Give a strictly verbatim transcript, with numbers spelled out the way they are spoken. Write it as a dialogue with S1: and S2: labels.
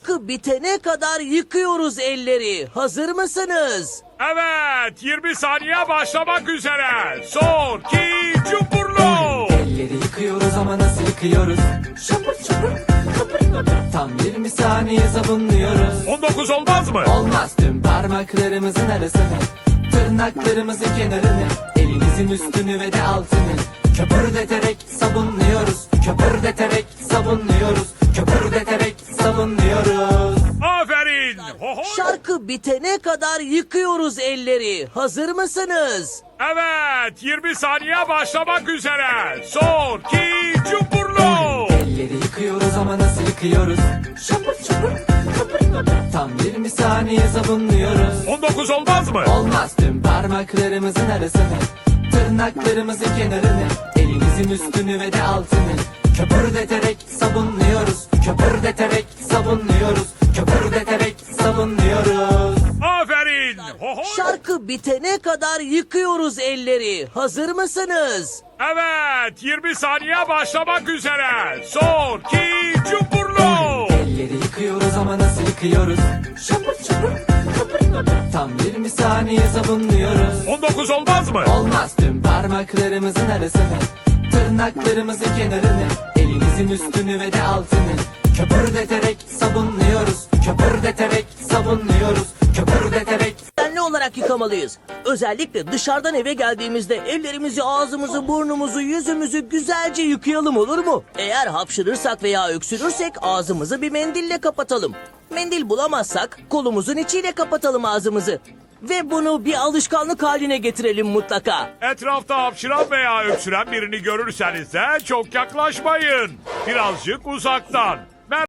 S1: Şarkı bitene kadar yıkıyoruz elleri. Hazır mısınız?
S2: Evet, yirmi saniye başlamak üzere. Son, iki, cumburlu.
S3: Elleri yıkıyoruz ama nasıl yıkıyoruz?
S4: Şapır şapır kıpır kıpır.
S3: Tam yirmi saniye sabunluyoruz.
S2: on dokuz olmaz mı?
S3: Olmaz, tüm parmaklarımızın arasını, tırnaklarımızın kenarını, elinizin üstünü ve de altını köpürdeterek sabunluyoruz. Köpürdeterek sabunluyoruz. Köpürdeterek sabunluyoruz.
S2: Aferin. Ho ho.
S1: Şarkı bitene kadar yıkıyoruz elleri. Hazır mısınız?
S2: Evet, yirmi saniye başlamak üzere. Son, iki, cumburlu.
S3: Elleri yıkıyoruz ama nasıl yıkıyoruz?
S4: Şapır şapır kıpır kıpır.
S3: Tam yirmi saniye sabunluyoruz.
S2: on dokuz olmaz mı?
S3: Olmaz, tüm parmaklarımızın arasını, tırnaklarımızın kenarını, elinizin üstünü ve de altını köpürdeterek sabunluyoruz. Köpürdeterek sabunluyoruz. Köpürdeterek sabunluyoruz.
S2: Aferin. Ho ho.
S1: Şarkı bitene kadar yıkıyoruz elleri. Hazır mısınız?
S2: Evet, yirmi saniye başlamak üzere. Son, iki, cumburlu.
S3: Elleri yıkıyoruz ama nasıl yıkıyoruz?
S4: Şapır şapır kıpır kıpır.
S3: Tam yirmi saniye sabunluyoruz.
S2: on dokuz olmaz mı?
S3: Olmaz, tüm parmaklarımızın arasını, tırnaklarımızın kenarını, elinizin üstünü ve de altını köpürdeterek sabunluyoruz. Köpürdeterek sabunluyoruz. Köpürdeterek.
S1: Düzenli olarak yıkamalıyız. Özellikle dışarıdan eve geldiğimizde ellerimizi, ağzımızı, burnumuzu, yüzümüzü güzelce yıkayalım, olur mu? Eğer hapşırırsak veya öksürürsek ağzımızı bir mendille kapatalım. Mendil bulamazsak kolumuzun içiyle kapatalım ağzımızı. Ve bunu bir alışkanlık haline getirelim mutlaka.
S2: Etrafta hapşıran veya öksüren birini görürseniz de çok yaklaşmayın. Birazcık uzaktan.